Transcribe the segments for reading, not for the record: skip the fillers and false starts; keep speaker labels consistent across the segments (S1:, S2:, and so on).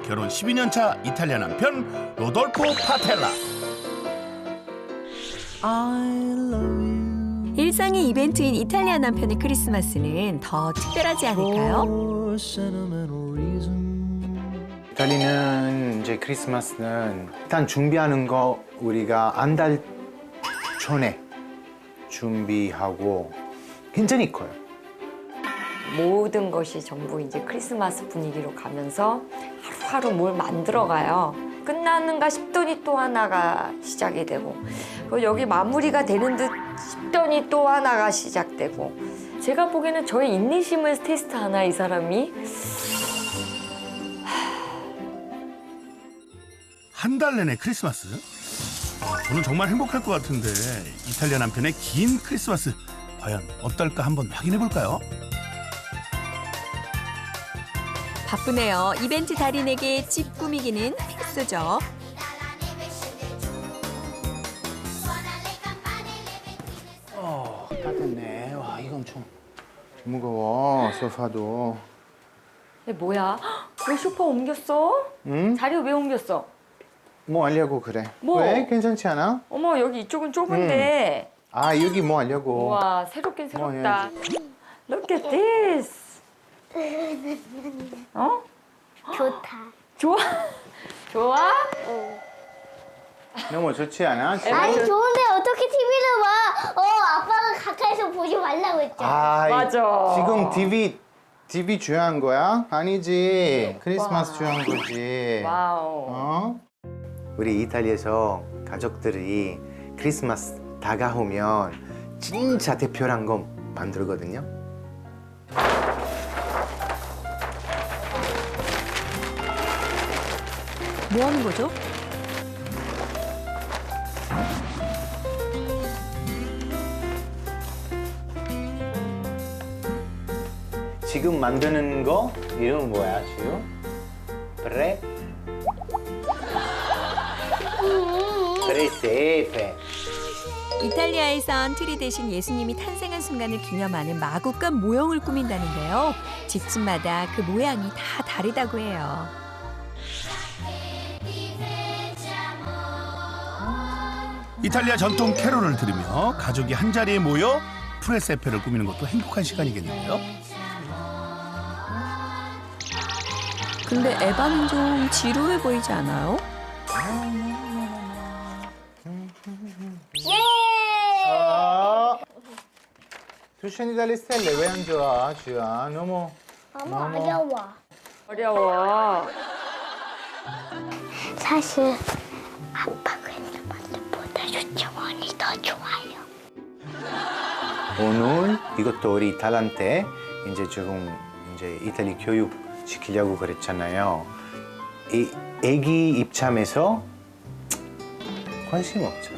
S1: 결혼 12년 차 이탈리아 남편 로돌포 파텔라.
S2: 일상의 이벤트인 이탈리아 남편의 크리스마스는 더 특별하지 않을까요?
S3: 이탈리아는 이제 크리스마스는 일단 준비하는 거 우리가 한 달 전에 준비하고 굉장히 커요.
S4: 모든 것이 전부 이제 크리스마스 분위기로 가면서 하루하루 뭘 만들어가요. 끝나는가 싶더니 또 하나가 시작이 되고, 그리고 여기 마무리가 되는 듯 싶더니 또 하나가 시작되고. 제가 보기에는 저의 인내심을 테스트하나 이 사람이.
S1: 한 달 내내 크리스마스? 저는 정말 행복할 것 같은데 이탈리아 남편의 긴 크리스마스 과연 어떨까 한번 확인해 볼까요?
S2: 바쁘네요. 이벤트 달인에게 집 꾸미기는 필수죠.
S3: 다 됐네. 와, 이거 엄청 무거워. 소파도.
S4: 근데 뭐야? 왜 소파 옮겼어?
S3: 응?
S4: 자리 왜 옮겼어?
S3: 뭐 하려고 그래?
S4: 뭐?
S3: 왜? 괜찮지 않아?
S4: 어머, 여기 이쪽은 좁은데.
S3: 아, 여기 뭐 하려고?
S4: 우와, 새롭긴
S3: 뭐
S4: 새롭다. Look at this. 어?
S5: 좋다.
S4: 좋아? 좋아?
S3: 너무 좋지 않아?
S5: 아니 좋은데 어떻게 TV를 봐? 아빠가 가까이서 보지 말라고 했잖아.
S3: 아,
S4: 맞아.
S3: 지금 TV 중요한 거야? 아니지. 크리스마스 중요한 거지.
S4: 와우.
S3: 어? 우리 이탈리아에서 가족들이 크리스마스 다가오면 진짜 특별한 거 만들거든요.
S2: 뭐 하는 거죠?
S3: 지금 만드는 거 이름 뭐야, 지금? 프레세페.
S2: 이탈리아에선 트리 대신 예수님이 탄생한 순간을 기념하는 마구간 모형을 꾸민다는데요. 집집마다 그 모양이 다 다르다고 해요.
S1: 이탈리아 전통 캐롤을 들으며 가족이 한자리에 모여 프레세페를 꾸미는 것도 행복한 시간이겠는데요.
S2: 근데 에바는 좀 지루해 보이지 않아요?
S3: 투션이 달리 스텔레 왜 안 좋아, 주야? 너무
S5: 어려워.
S4: 어려워.
S5: 사실 아빠 크리스마스보다 유치원이 더 좋아요.
S3: 오늘 이것도 우리 딸한테 이제 조금 이제 이탈리 교육 시키려고 그랬잖아요. 이 아기 입장에서 관심 없죠.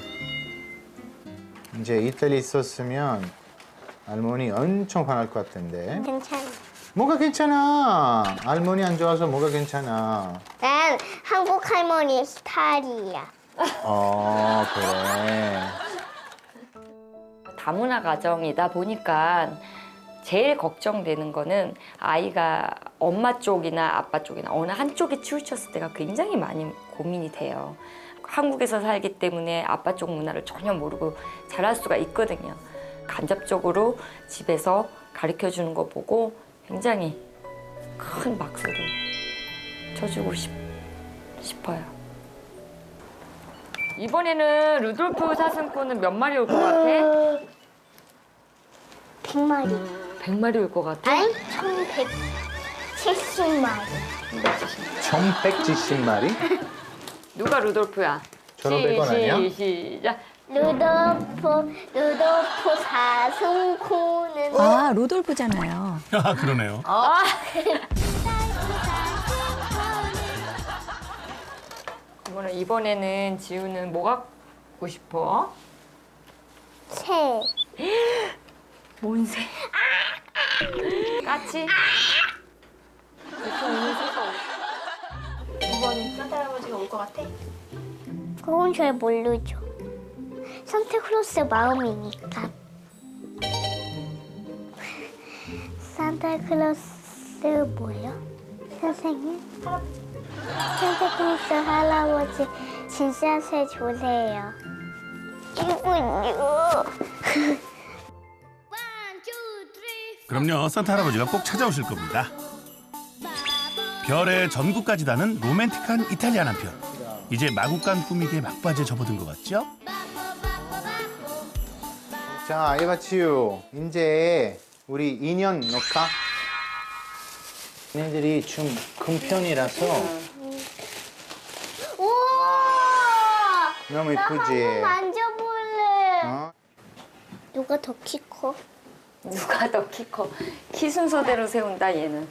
S3: 이제 이탈리 있었으면 할머니 엄청 화날 것 같은데.
S5: 괜찮아.
S3: 뭐가 괜찮아? 할머니 안 좋아서 뭐가 괜찮아?
S5: 난 한국 할머니 스타일이야.
S3: 그래.
S4: 다문화 가정이다 보니까 제일 걱정되는 거는 아이가 엄마 쪽이나 아빠 쪽이나 어느 한쪽에 치우쳤을 때가 굉장히 많이 고민이 돼요. 한국에서 살기 때문에 아빠 쪽 문화를 전혀 모르고 자랄 수가 있거든요. 간접적으로 집에서 가르쳐주는 거 보고 굉장히 큰 박수를 쳐주고 싶어요. 이번에는 루돌프 사슴꾼은 몇 마리 올 것 같아?
S5: 100마리.
S4: 100마리 올 것 같아?
S5: 아니, 1170마리.
S3: 1170마리?
S4: 누가 루돌프야?
S3: 1,500원 아니야?
S4: 시작.
S5: 루돌프 사슴코는
S2: 아, 로돌프잖아요.
S1: 아, 그러네요.
S4: 그러면 이번에는 지우는 뭐 갖고 싶어?
S5: 새.
S4: 뭔 새? 까치?
S6: 이번엔 산타 할아버지가 올 것 같아?
S5: 그건 잘 모르죠. 산타클로스 마음이니까. 산타클로스 뭐요? 선생님? 산타클로스 할아버지 진짜 새 좋으세요. 이거요.
S1: 그럼요, 산타 할아버지가 꼭 찾아오실 겁니다. 별의 전구까지 다는 로맨틱한 이탈리아 남편. 이제 마구간 꾸미기에 막바지에 접어든 것 같죠?
S3: 자, 에바치유, 이제 우리 인연 넣을까? 얘네들이 좀 큰 편이라서
S5: 우와!
S3: 너무
S5: 나
S3: 이쁘지?
S5: 한번 만져볼래.
S3: 어?
S5: 누가 더 키 커?
S4: 누가 더 키 커? 키 순서대로 세운다 얘는.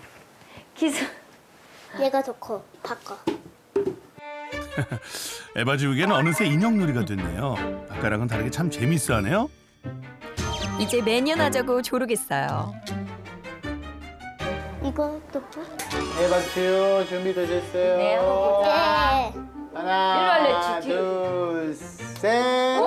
S5: 얘가 더 커. 바꿔.
S1: 에바지우에게는 어느새 인형놀이가 됐네요. 아까랑은 다르게 참 재밌어하네요.
S2: 이제 매년 하자고 조르겠어요.
S5: 이것도 뭐?
S3: 에바치유, 준비되셨어요?
S4: 네, 한번 보자.
S5: 네.
S3: 하나,
S4: 일로 할래, 주지.
S3: 둘, 셋.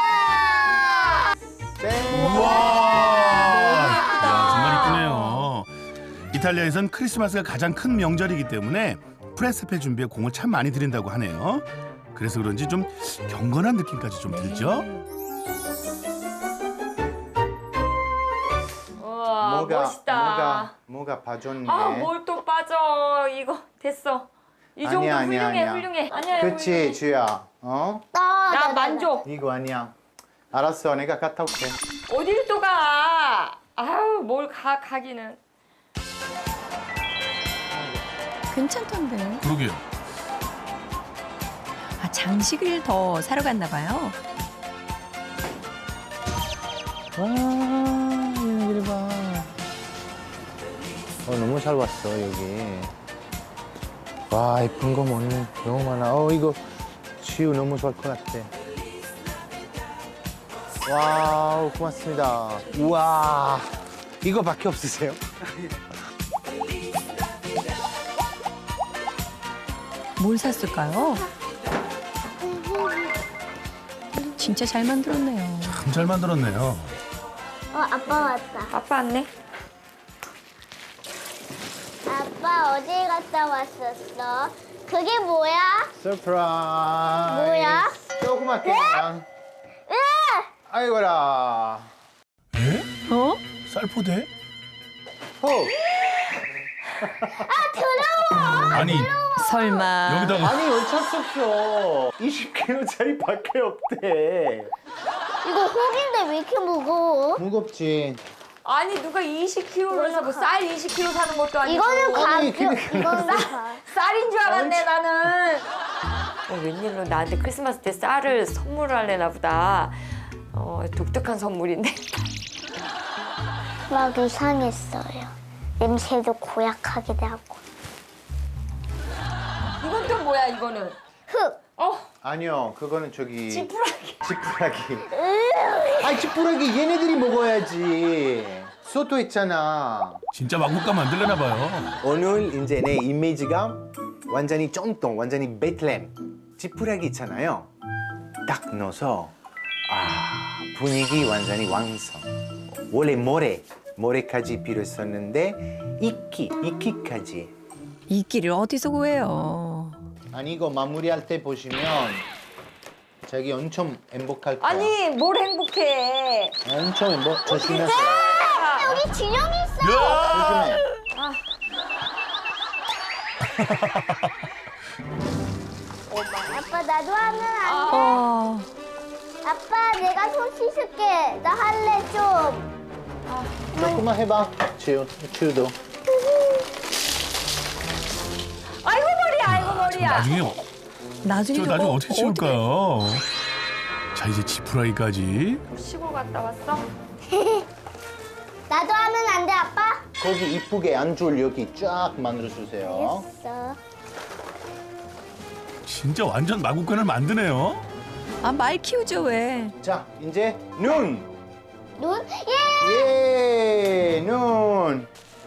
S3: 셋.
S1: 우와! 야, 정말 이쁘네요. 이탈리아에선 크리스마스가 가장 큰 명절이기 때문에 프레스페 준비에 공을 참 많이 들인다고 하네요. 그래서 그런지 좀 경건한 느낌까지 좀 들죠?
S4: 우와, 멋있다.
S3: 뭐가 봐줬네.
S4: 아, 뭘 또 빠져. 이거 됐어. 이 정도
S3: 아니야, 아니야,
S4: 훌륭해,
S3: 아니야.
S4: 훌륭해. 아니야,
S3: 그치,
S4: 훌륭해.
S3: 주야. 어?
S4: 나 만족.
S3: 이거 아니야. 알았어, 내가 갔다 올게.
S4: 어딜 또 가? 아유, 뭘 가기는.
S2: 괜찮던데.
S1: 그러게요.
S2: 아, 장식을 더 사러 갔나 봐요.
S3: 와, 얘네들 봐. 너무 잘 왔어, 여기. 와, 예쁜 거 뭐니? 너무 많아. 이거 지우 너무 좋아할 것 같아. 와우, 고맙습니다. 우와, 이거밖에 없으세요?
S2: 뭘 샀을까요? 진짜 잘 만들었네요.
S1: 참 잘 만들었네요.
S5: 아빠 왔다.
S4: 아빠 왔네.
S5: 아빠 어디 갔다 왔었어? 그게 뭐야?
S3: 서프라이즈.
S5: 뭐야?
S3: 조그맣게 그냥. 아이고라.
S1: 에?
S2: 어?
S1: 쌀포대?
S3: 호.
S1: 아니,
S2: 설마.
S1: 여기다가
S3: 아니, 어쩔 수 없어. 20kg짜리 밖에 없대.
S5: 이거 혹인데 왜 이렇게 무거워?
S3: 무겁지.
S4: 아니, 누가 20kg를 사고 쌀 20kg 사는 것도 아니고.
S5: 이거는
S3: 아니,
S5: 가벼. 이거는
S4: 쌀인 줄 알았네, 나는. 웬일로 나한테 크리스마스 때 쌀을 선물하려나 보다. 독특한 선물인데.
S5: 막 이상했어요. 냄새도 고약하기도 하고.
S4: 이건 또 뭐야, 이거는?
S5: 흙.
S3: 아니요, 그거는 저기.
S4: 지푸라기.
S3: 지푸라기. 아이, 지푸라기 얘네들이 먹어야지. 소토 있잖아.
S1: 진짜 마구간 만들려나 봐요.
S3: 오늘 이제 내 이미지가 완전히 쫀똥, 완전히 베틀렘. 지푸라기 있잖아요. 딱 넣어서 분위기 완전히 완성. 원래 모래까지 필요했었는데 이끼까지.
S2: 이끼를 어디서 구해요?
S3: 아니 이거 마무리할 때 보시면 자기 엄청 행복할 거야.
S4: 아니, 뭘 행복해.
S3: 엄청 조심해서.
S5: 여기 진영이 있어.
S3: 조심해.
S5: 아빠 나도 하면 안 돼.
S2: 어,
S5: 아빠 내가 손 씻을게. 나 할래 좀.
S3: 조금만 해봐. 치우도.
S4: 아이고, 머리야, 아이고, 머리야.
S2: 나중에
S1: 저
S2: 저거
S1: 나중에 어떻게 치울까요? 자, 이제 지푸라기까지.
S4: 시골 갔다 왔어?
S5: 나도 하면 안 돼 아빠?
S3: 거기 이쁘게 앉을 여기 쫙 만들어주세요.
S5: 됐어.
S1: 진짜 완전 마구간을 만드네요.
S2: 아, 말 키우죠 왜?
S3: 자, 이제 눈.
S5: 눈? 예.
S3: 예, 눈.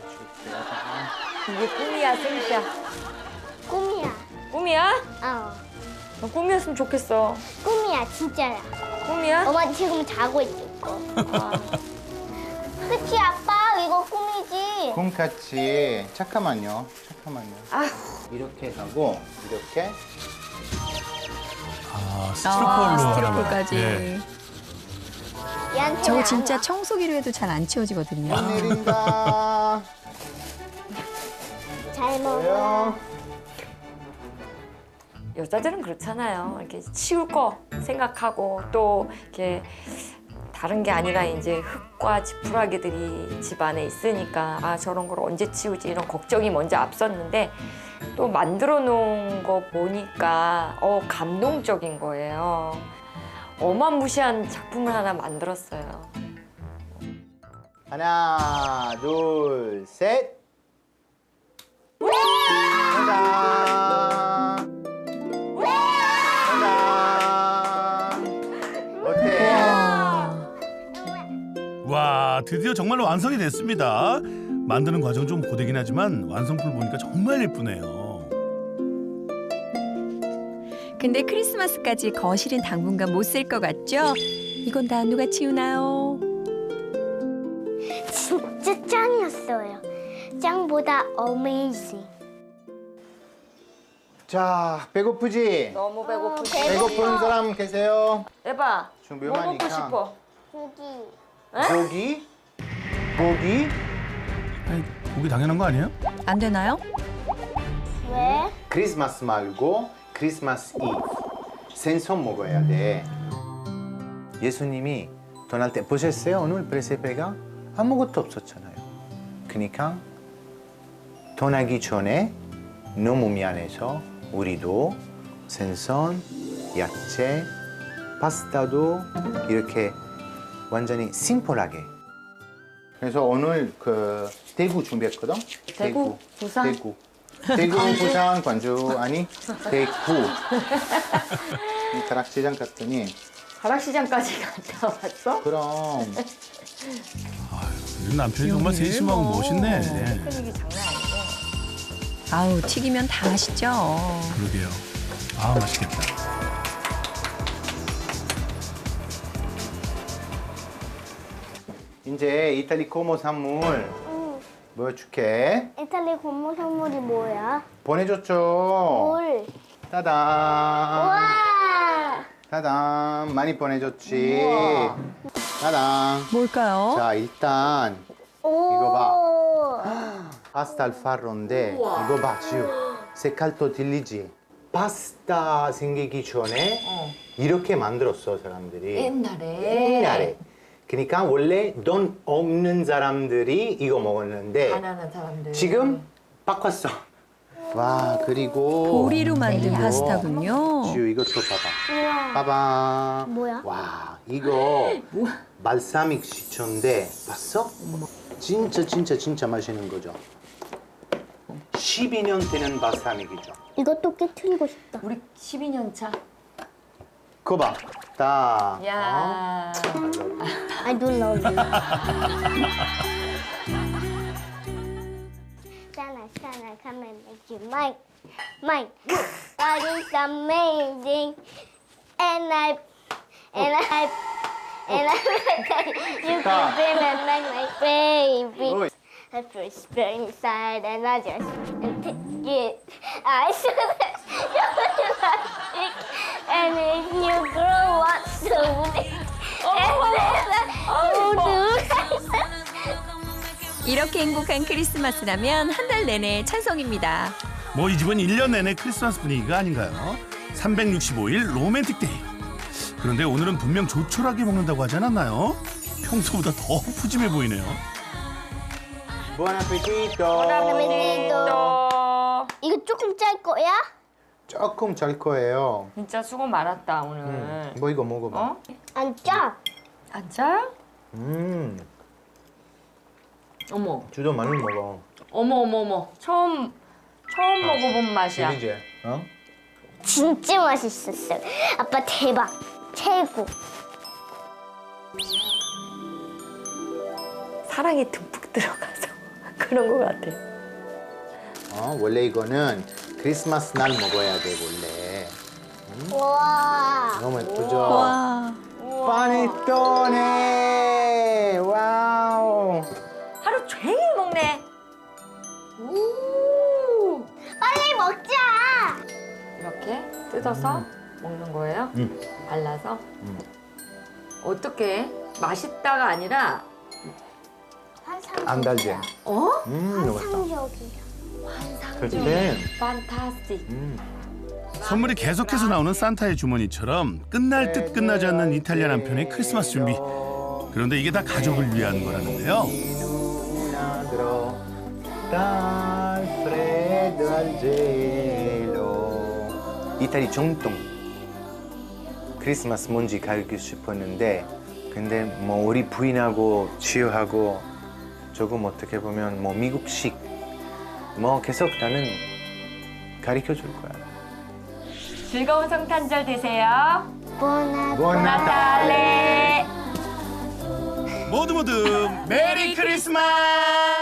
S4: 이게 꿈이야, 생시야.
S5: 꿈이야.
S4: 꿈이야? 꿈이었으면 좋겠어.
S5: 꿈이야 진짜야.
S4: 꿈이야?
S5: 엄마 지금 자고 있을 거. 그치 아빠 이거 꿈이지?
S3: 콩같이. 잠깐만요.
S4: 아휴.
S3: 이렇게 하고 이렇게.
S1: 스티로폴로
S2: 스티로폴까지.
S1: 예.
S5: 얘한테는
S2: 저거
S5: 안
S2: 진짜
S5: 와.
S2: 청소기로 해도 잘 안 치워지거든요.
S3: 내린다.
S5: 잘 먹어.
S3: 보여?
S4: 여자들은 그렇잖아요. 이렇게 치울 거 생각하고 또 이렇게 다른 게 아니라 이제 흙과 지푸라기들이 집 안에 있으니까 아 저런 걸 언제 치우지 이런 걱정이 먼저 앞섰는데 또 만들어 놓은 거 보니까 감동적인 거예요. 어마무시한 작품을 하나 만들었어요.
S3: 하나, 둘, 셋. 짜잔. 짜잔. 어때?
S1: 와, 드디어 정말로 완성이 됐습니다. 만드는 과정 좀 고되긴 하지만 완성품 보니까 정말 예쁘네요.
S2: 근데 크리스마스까지 거실은 당분간 못 쓸 것 같죠? 이건 다 누가 치우나요?
S5: 진짜 짱이었어요. 짱보다 어메이징.
S3: 자, 배고프지?
S4: 너무 배고프지?
S3: 배고픈 사람 계세요?
S4: 에바,
S3: 준비
S4: 뭐 먹고
S3: 많으니까.
S4: 싶어?
S5: 고기.
S3: 고기?
S1: 아니, 고기 당연한 거 아니에요?
S2: 안 되나요?
S5: 왜?
S3: 크리스마스 말고 크리스마스 이브. 생선 먹어야 돼. 예수님이 떠날 때 보셨어요? 오늘 프레세페가 아무것도 없었잖아요. 그러니까 떠나기 전에 너무 미안해서 우리도 생선, 야채, 파스타도 이렇게 완전히 심플하게. 그래서 오늘 그 대구 준비했거든.
S4: 대구? 부산?
S3: 대구, 부산, 광주 아니 대구. 이 가락시장 갔더니
S4: 가락시장까지 갔다 왔어?
S3: 그럼
S1: 우리 남편이 정말
S2: 요리를
S1: 세심하고
S2: 뭐.
S1: 멋있네. 예.
S4: 테크닉이 장난 아니고.
S2: 아우, 튀기면 다 맛있죠.
S1: 그러게요. 아, 맛있겠다.
S3: 이제 이탈리 코모 선물 보여줄게.
S5: 이탈리 고모 선물이 뭐야?
S3: 보내줬죠.
S5: 뭘?
S3: 따단.
S5: 와!
S3: 따단. 많이 보내줬지. 따단.
S2: 뭘까요?
S3: 자, 일단
S5: 오.
S3: 이거 파스타 알파로인데 이거 봐, 지우. 색깔도 들리지? 파스타 생기기 전에 이렇게 만들었어, 사람들이. 옛날에. 그러니까 원래 돈 없는 사람들이 이거 먹었는데
S4: 가난한 사람들.
S3: 지금 바꿨어. 와, 그리고
S2: 보리로 만든
S3: 이거.
S2: 파스타군요.
S3: 지우 이것도 봐봐.
S5: 우와.
S3: 봐봐.
S5: 뭐야?
S3: 와, 이거 발사믹 시초인데 봤어? 진짜 맛있는 거죠. 12년 되는 발사믹이죠.
S5: 이것도 깨트리고 싶다.
S4: 우리 12년 차.
S3: 그거 봐. 딱.
S4: 야.
S5: I don't love you. Sana, come and make you mine. Mine. God is amazing. And I you can be my baby.
S3: 어이.
S5: I first burn inside and I just take it. I should and if you grow up soon.
S2: 이렇게 행복한 크리스마스라면 한 달 내내 찬성입니다.
S1: 뭐 이 집은 1년 내내 크리스마스 분위기가 아닌가요? 365일 로맨틱 데이. 그런데 오늘은 분명 조촐하게 먹는다고 하지 않았나요? 평소보다 더 푸짐해 보이네요.
S3: Buon appetito.
S4: 또
S5: 이거 조금 짤 거야?
S3: 조금 잘 거예요.
S4: 진짜 수고 많았다 오늘.
S3: 뭐 이거 먹어봐.
S4: 어?
S5: 안 짜.
S4: 안 짜? 어머,
S3: 주도 많이 먹어.
S4: 어머. 처음 먹어본 맛이야.
S3: 들리지? 어?
S5: 진짜 맛있었어요. 아빠 대박. 최고.
S4: 사랑이 듬뿍 들어가서 그런 것 같아.
S3: 원래 이거는 크리스마스 날 먹어야 돼 원래.
S5: 와.
S3: 너무 예쁘죠?
S2: 와,
S3: 파네토네. 와우.
S4: 하루 종일 먹네. 이렇게 뜯어서 먹는 거예요? 발라서? 어떻게? 맛있다가 아니라
S3: 안 달지?
S4: 어?
S3: 맛있다. 그렇지.
S4: 판타스틱.
S1: 선물이 계속해서 나오는 산타의 주머니처럼 끝날 듯 끝나지 않는 이탈리아 남편의 크리스마스 준비. 그런데 이게 다 가족을 위한 거라는데요.
S3: 이탈리 정통 크리스마스 뭔지 가르치고 싶었는데 근데 뭐 우리 부인하고 치유하고 조금 어떻게 보면 뭐 미국식 뭐 계속 나는 가르쳐 줄 거야.
S4: 즐거운 성탄절 되세요.
S5: Buon
S4: 나탈레.
S1: 모두 모두 메리 크리스마스!